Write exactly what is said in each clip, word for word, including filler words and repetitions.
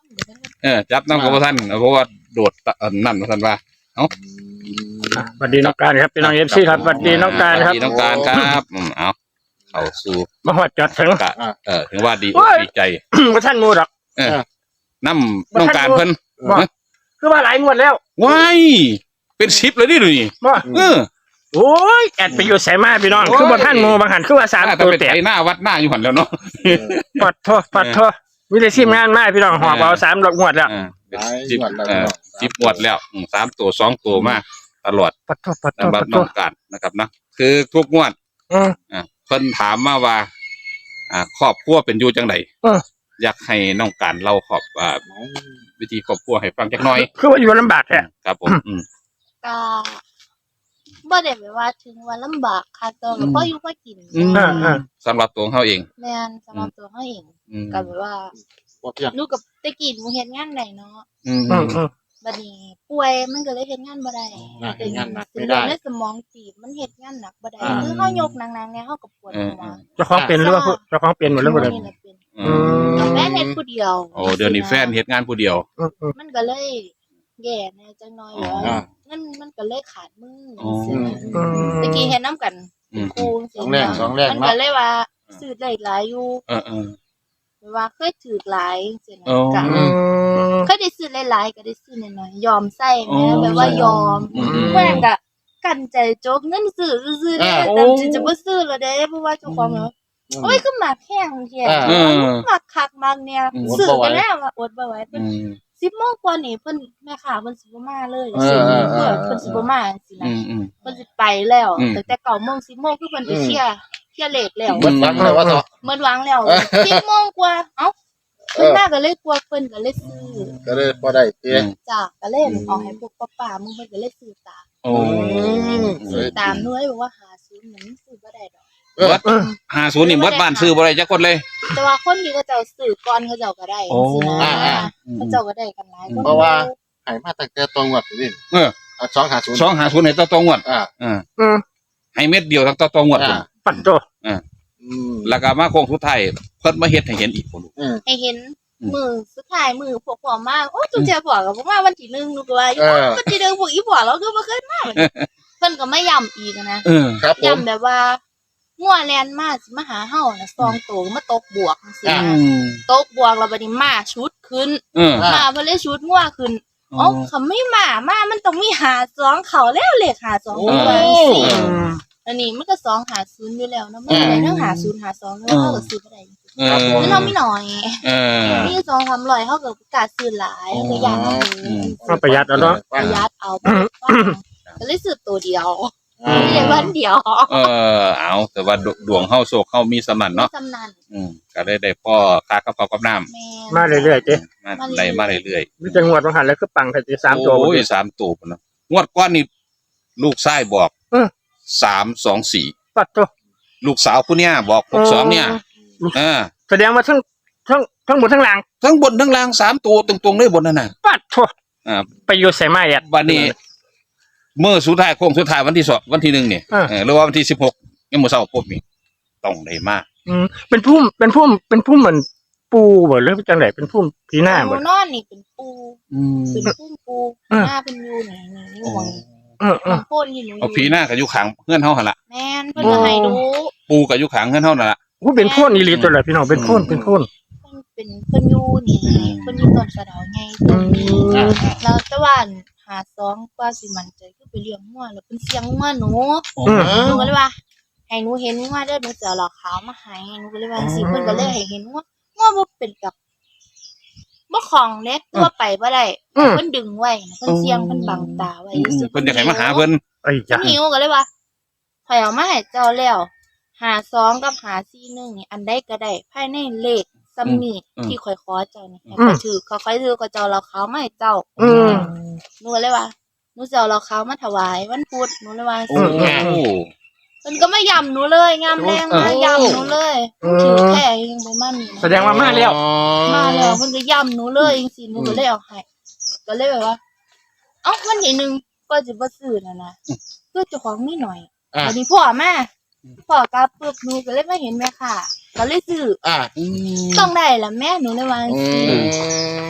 เออจับน้ำกับท่านเพราะว่าโดดนั่นท่านว่าเอ้าสวัสดีน้องการครับพี่น้องเอฟซีครับสวัสดีน้องการครับสวัสดีน้องการครับอืมเอาเข้าสู่มาหัดจัดถึงเออถึงว่าดีดีใจว่าท่านมูดอกเออน้ำน้องการเพิ่นคือว่าหลายงวดแล้วว้ายเป็นชิปเลยดิดูนี่เออโอ้ยแอดไปอยู่ใส่มาพี่น้องคือว่าท่านมูบางหันคือว่าสามตัวแตกหน้าวัดหน้าอยู่หันแล้วเนาะปัดโทษปัดโทษวิธีทีมงานมาพี่น้องหอบเอาสามดอกงวดแล้วสิบสิบงวดแล้วสามตัวสองตัวมาตลอดปัดโทษปัดโทษปัดน้องการนะครับนะคือทุกงวดอ่าเพิ่นถามมาว่าอ่าครอบครัวเป็นอยู่จังไดอยากให้น้องการเล่าขอบอ่าวิธีครอบครัวให้ฟังจักหน่อยคือว่าอยู่ลำบากแท้ครับผมก็บ่ได้แบบว่าถึงว่าลำบากค่ะตัวก็พออยู่พอกินสำหรับตัวเขาเองแม่นสำหรับตัวเขาเองก็แบบว่าหนูกับตะกี้หนูเฮ็ดงานได้เนาะบัดนี้ป่วยมันก็เลยเฮ็ดงานบ่ได้เฮ็ดงานหนักไม่ได้ในสมองตีบมันเฮ็ดงานหนักบ่ได้คือเฮายกหนักๆเนี่ยเฮาก็ปวดหัวเจ้าของเป็นหรือว่าเจ้าของเป็นหมดแล้วบ่ได้อืมแม่เฮ็ดผู้เดียวโอ้เดี๋ยวนี้แฟนเฮ็ดงานผู้เดียวมันก็เลยแย่แน่จังน้อยแล้วมันมันก็เลยขาดมือตะกี้เฮ็ดนำกันครูสองแรงสองแรงมันก็เลยว่าซื้อได้หลายอยู่เออๆว่าเคยถือหลายจังซี่นะก็เคยได้ซื้อหลายๆก็ได้ซื้อน้อยๆยอมใช้แม่แบบว่ายอมแม่งก็กันใจโจกเงินซื้อซื้อได้แต่สิจะบ่ซื้อแล้วเด้เพราะว่าเจ้าของเนาะโอ้ยคือหมักแห้งแท้หมักคักมักเนี่ยซื้อกันแล้วอดบ่ไหวเพิ่นสิบโมงกว่านี่เพิ่นแม่ค้าเพิ่นสิบ่มาเลยสิบโมงเพิ่นสิบ่มาจังซี่นะเพิ่นสิไปแล้วตั้งแต่เก้าโมงสิบโมงคือเพิ่นไปเคลียร์เคลียร์เลทแล้วหมดหวังแล้วว่าเถาะหมดหวังแล้วสิบโมงกว่าเอ้าเพิ่นมาก็เลยกลัวเพิ่นก็เลยซื้อก็เลยบ่ได้เตี้ยจ้ะก็เลยเอาให้พวกป้าๆมึงเพิ่นก็เลยซื้อตามโอ้ซื้อตามด้วยบอกว่าหาซื้อมันซื้อบ่ได้ดอกวัดห้าสิบนี่วัดบ้านซื้อบ่ได้จักคนเลยแต่ว่าคนที่เขาเจ้าซื้อก่อนเขาเจ้าก็ได้สินะเขาเจ้าก็ได้กันหลายคนเพราะว่าให้มาตั้งแต่ตรงวัดนี่เออสองห้าศูนย์สองห้าศูนย์ให้ต่อตรงวัดอ่าเออให้เม็ดเดียวทั้งต่อตรงวัดปัดโตอ่าแล้วก็มาโค้งสุดท้ายเพิ่นมาเฮ็ดให้เห็นอีกพุ่นให้เห็นมือสุดท้ายมือพวกพ่อมาโอ้จุ๊บแจ๊พ่อก็บ่มาวันที่หนึ่งนูก็ว่าอยู่ก็สิเด้อพวกอีพ่อเราคือบ่เคยมาเพิ่นก็ไม่ย้ำอีกนะย้ำแบบว่างัวแลนมาสิมาหาเฮาน่ะซองโตมาตกบวกจังซี่ตกบวกแล้วบัดนี้มาชุดขึ้นมาเพิ่นเลยชุดงัวขึ้นอ๋อเขาไม่มามามันต้องมีหาสองเขาแล้วเลขหาสองตัวสี่อันนี้มันก็สองหาศูนย์อยู่แล้วนะมันได้ทั้งหาศูนย์หาสองแล้วเฮาก็ซื้อบ่ได้มันเฮามีน้อยมีสองสามร้อยเฮาก็ประกาศซื้อหลายก็ย่างเอาก็ประหยัดเอาเนาะประหยัดเอาก็เลยซื้อตัวเดียวมีได้วันเดียวเออเอาแต่ว่าดวงเฮาโชคเฮามีสำนันเนาะสำนันอืมก็ได้ได้พ่อค่ากับข้าวกับน้ำมาเรื่อยๆเจ้มาได้มาเรื่อยๆมีจังหวัดบางหันแล้วคือปังแค่สามตัวโอ้ยสามตัวพุ่นเนาะงวดก่อนนี่ลูกชายบอกสามสองสี่ปัดโตลูกสาวผู้เนี้ยบอกหกสองเนี่ยเออแสดงว่าทั้งทั้งทั้งบนทั้งล่างทั้งบนทั้งล่างสามตัวตรงๆเลยบนนั่นน่ะปัดโตอ่าไปอยู่ใส่ไม้อ่ะวันนี้เมื่อสุดท้ายโค้งสุดท้ายวันที่สองวันที่หนึ่งเนี่ยหรือว่าวันที่สิบหกยังมื้อเช้าพบนี่ต้องได้มาอืมเป็นพุ่มเป็นพุ่มเป็นพุ่มเหมือนปูบ่หรือจังได๋เป็นพุ่มพีหน้าบ่นอนนี่เป็นปูเป็นพุ่มปูหน้าเป็นอยู่นี่นี่หวงเออๆโพ่นอยู่เอาพีหน้าก็อยู่ข้างเฮือนเฮาหั่นล่ะแม่นเพิ่นก็ให้ดูปูก็อยู่ข้างเฮือนเฮานั่นล่ะโอ้เป็นโพ่นอีหลีตัวละพี่น้องเป็นโพ่นเป็นโพ่นเพิ่นเป็นเพิ่นอยู่นี่เพิ่นอยู่ต้นสะเดาไงต้นนี้แล้วตะวันหาสองกว่าสิมั่นใจคือไปเลี้ยงงัวแล้วเพิ่นเสียงงัวหนูหนูก็เลยว่าให้หนูเห็นงัวเด้อหนูจะเอาเหล้าขาวมาให้หนูก็เลยว่าสิเพิ่นก็เลยให้เห็นงัวงัวบ่เป็นกับบ่คล่องเด้ตัวไปบ่ได้เพิ่นดึงไว้เพิ่นเสียงเพิ่นบังตาไว้ซื่อเพิ่นอยากให้มาหาเพิ่นไอ้จ้ะหิวก็เลยว่าข่อยเอามาให้เจ้าแล้วหาสองกับหาสี่หนึ่งนี่อันใดก็ได้ภายในเลขซัมมีที่ข่อยขอเจ้านี่ให้ไปถือค่อยๆถือก็เจ้าเหล้าขาวมาให้เจ้าหนูก็เลยว่าหนูจะเอาเหล้าขาวมาถวายวันพุธหนูเลยว่าสิเพิ่นก็ไม่ย้ำหนูเลยงามแรงมาย้ำหนูเลยถือแค่ยังบ่มันแสดงว่ามาแล้วมาแล้วเพิ่นก็ย้ำหนูเลยจังซี่หนูก็เลยเอาให้ก็เลยแบบว่าเอ้าวันที่หนึ่งก็สิบ่ซื้อน่ะนะคือเจ้าของมีหน่อยอันนี้พ่อมาพ่อกลับปึ๊บหนูก็เลยมาเห็นแม่ค่ะก็เลยซื้อต้องได้ล่ะแม่หนูเลยว่าจังซี่หนู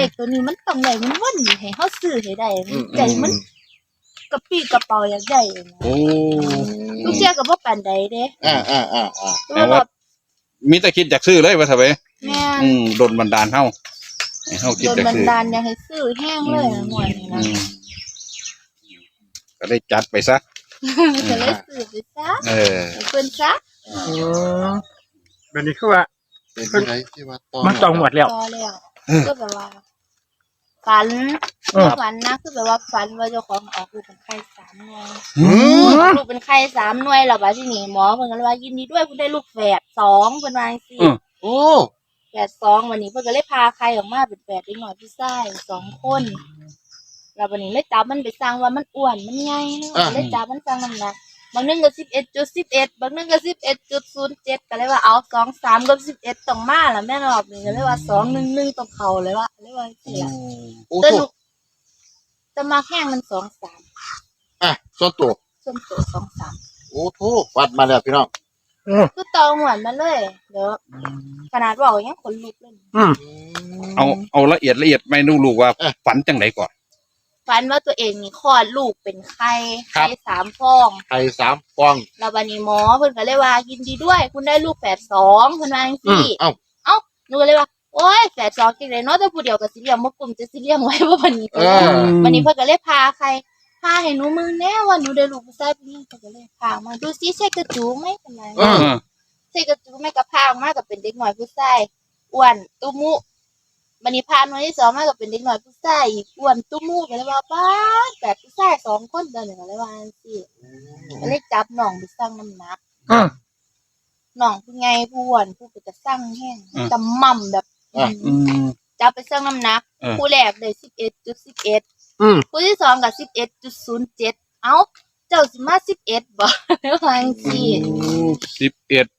ขตัวนี้มันต้องได้มันวนให้เฮาซื้อให้ได้ใจมันกระปี้กระเป๋าอยากได้นะโอ้ลูกเจ้าก็บ่ปานใดเด้อ่าอ่าอ่าอ่าแต่ว่ามีแต่คิดอยากซื้อเลยว่าทำไมแม่นอืมโดนบันดาลเฮาให้เฮาคิดโดนอยากบันซื้อดาลอยากให้ซื้อแห้งเลยนะหน่วยนี่อืนะมก็ได้จัดไปซะก็เลยซื้อไปซะเออให้เพิ่นซะอืมแบบนี้คือว่าเป็นที่ไหนที่ว่าตองมันตองหมดแล้วพอแล้วก็แบบว่าฝันเออฝันนะคือแบบว่าฝันว่าเจ้าของออกลูกเป็นไข้สามหน่วยอืมลูกเป็นไข้สามหน่วยแล้วบัดทีนี้หมอเพิ่นก็เลยว่ายินดีด้วยคุณได้ลูกแฝดสองเพิ่นว่าจังซี่โอ้แฝดสองวันนี้เพิ่นก็เลยพาไข่ออกมาเป็นแฝดเด็กน้อยผู้ชายสองคนแล้ววันนี้เลยจับมันไปสั่งว่ามันอ้วนมันใหญ่เนาะก็เลยจับมันสั่งน้ำหนักบางนึงก็สิบเอ็ดจุดสิบเอ็ดบางนึงก็สิบเอ็ดจุดศูนย์เจ็ดก็เลยว่าเอาสองสามกับสิบเอ็ดต้องมาล่ะแม่รอบนี้ก็เลยว่าสองหนึ่งหนึ่งต้องเข้าเลยว่าเลยว่าจังซี่ล่ะโอ้แต่โหลูกจะมาแข่งมันสองสามอ่ะส่วนตัวส้มโตสองสามโอ้โหวัดมาแล้วพี่น้องอืมคือตองหวานมาเลยเดี๋ยวขนาดบอกยังขนลุกเลยอืมเอาเอาละเอียดละเอียดไม่รู้ลูกว่าเอ๊ะฝันจังไหนก่อนฝันว่าตัวเองนี่คลอดลูกเป็นไข้ครับไข้สามฟองไข่สามฟองแล้ววันนี้หมอเพิ่นก็เลยว่ายินดีด้วย คุณได้ลูกแฝดสองเพิ่นว่าจังซี่เอ้าเอ้าหนูก็เลยว่าโอ้ยแฝดสองจังได๋เนาะแต่ผู้เดียวก็สิเลี้ยงบ่กลุ่มจะสิเลี้ยงไว้บ่บัดนี้เออวันนี้เพิ่นก็เลยพาใครพาให้หนูมึงแน่ว่าหนูได้ลูกผู้ชายผู้หญิงเพิ่นก็เลยพามาดูซิใช่กระจูไหมเพิ่นว่าเออใช่กระจูไหมก็พาออกมาก็เป็นเด็กน้อยผู้ชายอ้วนตุ้มุวันนี้พาหน่วยที่สองมาก็เป็นเด็กน้อยผู้ชายอีกอ้วนตุ้มุก็เลยว่าป้าดแฝดผู้ชายสองคนเดินก็เลยว่าจังซี่ ก็เลยจับน้องไปสั่งน้ำหนักอืมน้องผู้ใหญ่ผู้อ้วนผู้ก็จะสั่งแห้งอืมจำม่ำแบบอ่ะอืมจับไปสั่งน้ำหนักเออผู้แรกได้สิบเอ็ดจุดสิบเอ็ดอืมผู้ที่สองกับสิบเอ็ดจุดศูนย์เจ็ดเอ้าเจ้าสิมาสิบเอ็ดบ่ ว่าจังซี่สิบเอ็ด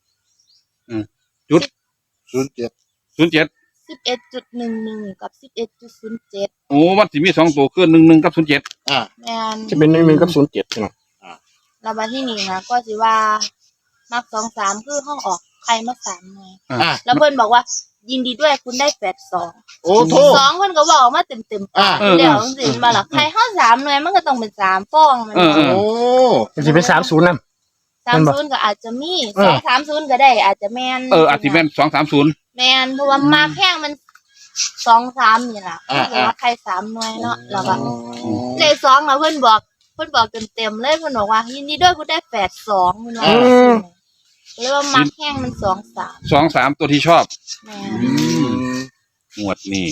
ศูนย์เจ็ดศูนย์เจ็ดสิบเอ็ดจุดหนึ่งหนึ่งกับสิบเอ็ดจุดศูนย์เจ็ดโอ้มันสิมีสองตัวคือหนึ่งหนึ่งกับศูนย์เจ็ดอ่ะแม่นจะเป็นหนึ่งหนึ่งกับศูนย์เจ็ดใช่ไหมแล้วมาที่นี่นะก็สิว่ามักสองสามคือห้องออกใครมาสามหน่วยอ่ะแล้วเพิ่นบอกว่า ยินดีด้วยคุณได้แฝดสองโอ้โหสองคนก็บอกมาเต็มเต็มๆปากอ่าเดี๋ยวสิมาหลักใครเข้าสามหน่วยมันก็ต้องเป็นสามฟองมันเออเออโอ้มันจะเป็นสามศูนย์นั่นสามศูนย์ก็อาจจะมีเอสอองสามศูนย์ก็ได้ อาจจะแมนเอออาทิแม่นสองสามศูนย์แมนเพราะว่ามาแข้งมันสองสามนี่แหละอ่าคือว่าใครสามหน่วยเนาะแล้วก็อืมเลขสองเราเพื่อนบอกเพื่อนบอกเต็มเต็มๆเลยเพื่อนบอกว่ายินดีด้วยคุณได้แฝดสองเพื่อนว่าเรียกว่ามาแข้งมันสองสามสองสามตัวที่ชอบแมนอืมงวดนี้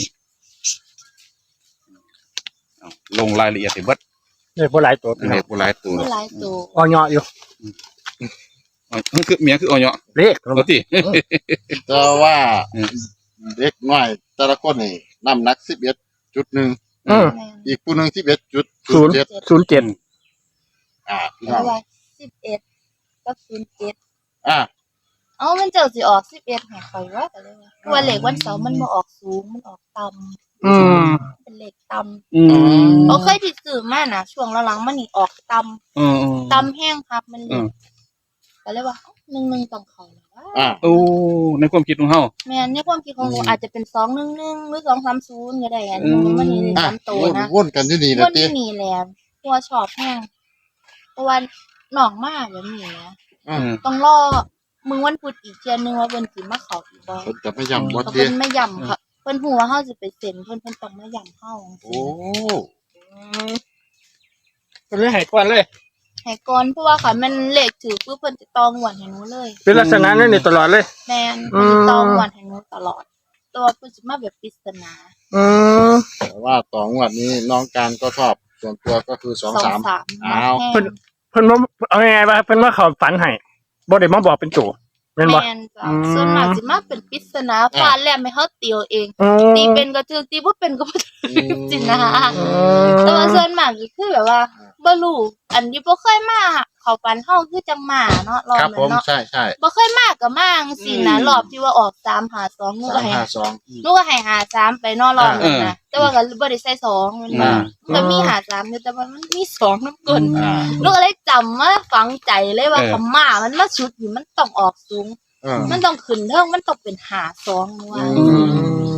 เอาลงรายละเอียดให้เบิดเนี่ยพวกหลายตัวพี่น้ให้องผู้หลายตัวไม่หลายตัวอ่อนเหยาะอยู่อ๋อคือเมียคือเอาเนาะเลขปกติแต่ว่าอืมเด็กน้อยแต่ละคนนี่น้ำหนักสิบเอ็ดจุดหนึ่งอืมแมนอีกผู้หนึ่งสิบเอ็ดจุดศูนย์เจ็ดศูนย์เจ็ดอ่าพี่เรีน้ยองกว่าสิบเอ็ดก็ศูนย์เจ็ดอ่าเอ้ามันเจ้าสิออกสิบเอ็ดให้ข่อยว่าแต่เลยว่าตัวเลขวันเสาร์มันบ่ออกสูงมันออกต่ำอืมเป็นเลขต่ำอืมเอาเคยที่ซื้อมาน่ะ ช่วงหลังๆมันนี่ออกต่เออำต่ำแห้งครับมันเลอืยมก็เลยว่าเอ้าหนึ่งหนึ่งต้องเข้าแล้วว่าอ่าโอ้ในความคิดของเฮาแม่นในความคิดของหนูอืมอาจจะเป็นสองหนึ่งหนึ่งหรือสองสามศูนย์ก็ได้อันอืนี้มมันนี่เลยอ่ะสามตัวนะวนกันอยู่นี่พนะวกเต้นี้มีแหล้วตัวชอบแห้งเพราะว่าหนองมากแบบนี้นะอ่าอืมต้องรอมึงวันพุธอีกเทียนึงว่าเพิ่นสิมาเข้าอีกบ่เพิ่นจะไม่ย้ำว่าก็เต้เพิ่นไม่ย่ำค่ะเพิ่นฮู้ว่าเฮาสิไปเซ็นเพิ่นเพิ่นต้องมาย่ำเฮาจังโอ้ซี่อืมเป็นเรื่องหายก่อนเลยให้ก่อนเพราะว่าค่ะมันเลขถือปุ๊บเพิ่นจะตองหวนให้หนูเลยเป็นลักษณะนั้นในตลอดเลยแม่นอืเพิ่นมจะตองหวนให้หนูตลอด ตัวเพิ่นสิมาแบบปริศนาอืมแต่ว่าต่องวดนี้น้องการก็ชอบส่วนตัวก็คือสองสามสามอ้าวแม่เพิ่นนเพิ่นว่าเอาไงว่าเพิ่นว่าเขาฝันให้บ่ได้มาบอกเป็นตัวแม่นบ่แม่นจ้ะอืมส่วนมากสิมาเป็นปริศนาฟาดแลมให้เฮาตีเอาเองอืมตีเป็นก็ถือตีบ่เป็นก็บ่ถือจริงนะอืแต่ว่าม ส่วนมากก็คือแบบว่าบ่รู้อันนี้บ่เคยมาเข้าฝันเฮาคือจังมาเนาะรอบครับนั้ผมนเนาะใช่ใช่บ่เคยมาก็มาจังซี่นะรอบที่ว่าออกสามห้าสองหนูสาก็มให้ห้าสองหนูก็ให้หาสามไปเนอกรอบนั้นนะแต่ว่าก็บ่ได้ใส่สองมันอ่ามันมีหาสามอยู่แต่ว่ามันมีสองน้ำก้นอ่าหนูก็เลยจำมาฝังใจเลยว่าคำมามันมาชุดนี่มันต้องออกสูงเออมันต้องขึ้นเทิงมันต้องเป็นหาสองว่าอือืม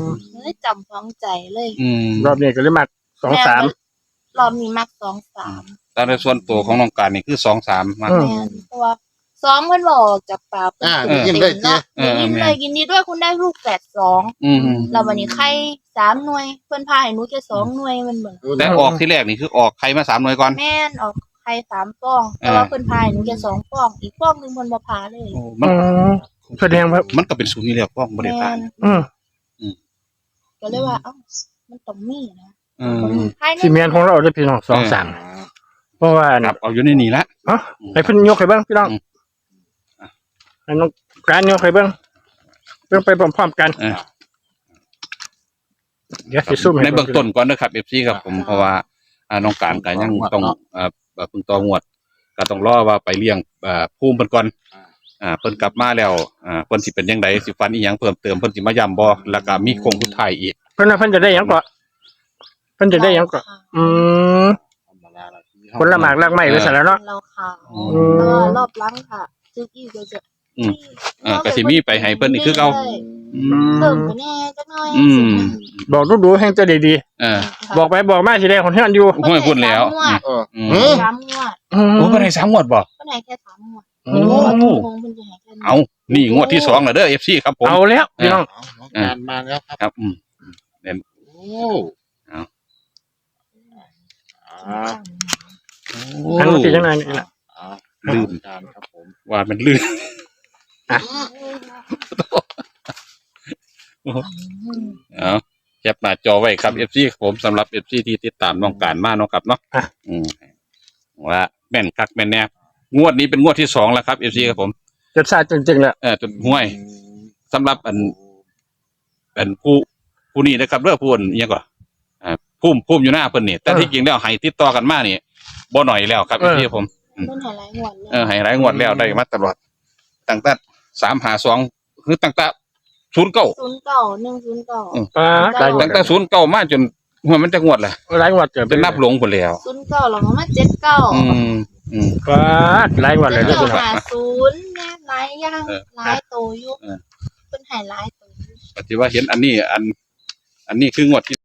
เลยจำฝังใจเลยอืมรอบนี้ก็เลยมาสองสามรอบนี้มักสองสามแต่ในส่วนตัวของน้องการนี่คือสองสามมาอืมแม่นเพราะว่าสองมันบอกจากปากอ่าเต็มยิ้มได้เจ๊เนาะยิ้มเลยยินดีด้วยคุณได้ลูกแฝดสองอืมแล้ววันนี้ไข่สามหน่วยเพื่อนพาให้หนูแค่สองหน่วยมันเหมือนแต่ออกที่แรกนี่คือออกใครมาสามหน่วยก่อนแม่นออกไข่สามฟองแต่ว่าเพื่อนพาให้หนูแค่สองฟองอีกฟองหนึ่งคนมาพาเลยโอ้มันอืมแสดงว่ามันก็เป็นศูนย์นี่แหละพ้องบริแม่พารนอืมก็เลยว่าเอ้ามันต้องมีนะอืมภายในซีเมนต์ของเราได้พี่น้องสองสามเพราะว่าครับเอาอยู่ในนี่ละเอ๋อให้เพิ่นยกให้เบิ่งพี่น้องอืมให้น้องการยกให้เบิ่งเบิ่งไปพร้อมๆกันเออเดี๋ยวสิซุ่มให้ในเบื้องต้นก่อนนะครับเอฟซีครับผมเพราะว่าอ่าน้องการก็ยังต้องอ่าเพิ่งต่องวดก็ต้องรอว่าไปเลี้ยงอ่าภูมิเพิ่นก่อนอ่าเพิ่นกลับมาแล้วอ่าเพิ่นสิเป็นจังไดสิฟันอีหยังเพิ่มเติมเพิ่นสิมาย้ำบ่แล้วก็มีโครงสุดท้ายอีกเพิ่นว่าเพิ่นจะได้หยังก่อนเพิ่นจะได้หยังก่อนอืมผลหมากรากไม้ไว้ซะแล้วเนาะเราข่าวอืมแล้วก็รอบหล้างค่ะซึกอีกก็จะอืม เออก็สิมีไปให้เพิ่นนี่คือเก่า อืมเพิ่มไปแน่จักหน่อยอืมบอกดูๆให้จะได้ดีเออบอกไปบอกมาสิได้คนเฮือนอยู่ห้วยพุ่นแล้วเอออืมเออสามงวดอืมโอ้เพิ่นให้สามงวดบ่เพิ่นให้แค่สามงวดโอ้งงเพิ่นจะให้แค่นี้เอานี่งวดที่สองแล้วเด้อ เอฟ ซี ครับผมเอาแล้วพี่น้องน้องการมาแล้วครับครับอืมโอ้เอาอ่าอันนี้เป็นจังไดนี่ล่ะอ่าลืมการครับผมว่ามันลื่น เอาแคปหน้าจอไว้ครับ เอฟ ซี ครับผมสำหรับ เอฟ ซี ที่ติดตามน้องการมาเนาะครับเนาะอ่ะอืมว่าแม่นคักแม่นแน่งวดนี้เป็นงวดที่สองแล้วครับ เอฟ ซี ครับผมจดซาจริงๆแล้วเออจนห้วยสำหรับอันอันผู้ผู้นี้นะครับเรื่องผู้อันอิหยังก่อนอ่าพุ่มพุ่มอยู่หน้าเพิ่นนี่แต่ที่จริงแล้วให้ติดต่อกันมานี่บ่หน่อยแล้วครับ เอฟ ซี ครับผมเพิ่นให้หลายงวดเลยเออให้หลายงวดแล้วได้มาตลอดตั้งแต่สามหาสองคือตั้งแต่ศูนย์เก้าศูนย์เก้าหนึ่งศูนย์เก้าป้าหลายงวตั้ดงแต่ศูนย์เก้ามาจนหัวมันจะงวดแหละหลายงวดเกิดเป็นนับหลงหมดแล้วศูนย์เก้าแล้วก็มาเจ็ดเก้าอืมอืมป้าหลายงวดเลยเจ็เด้ดอเก้าพี่น้องหาศูนย์แม่หลายอย่างเออหลายโตอยู่เออเพิ่นให้หลายโตอยู่ปฏิว่าเห็นอันนี้อัน อันนี้คืองวดที่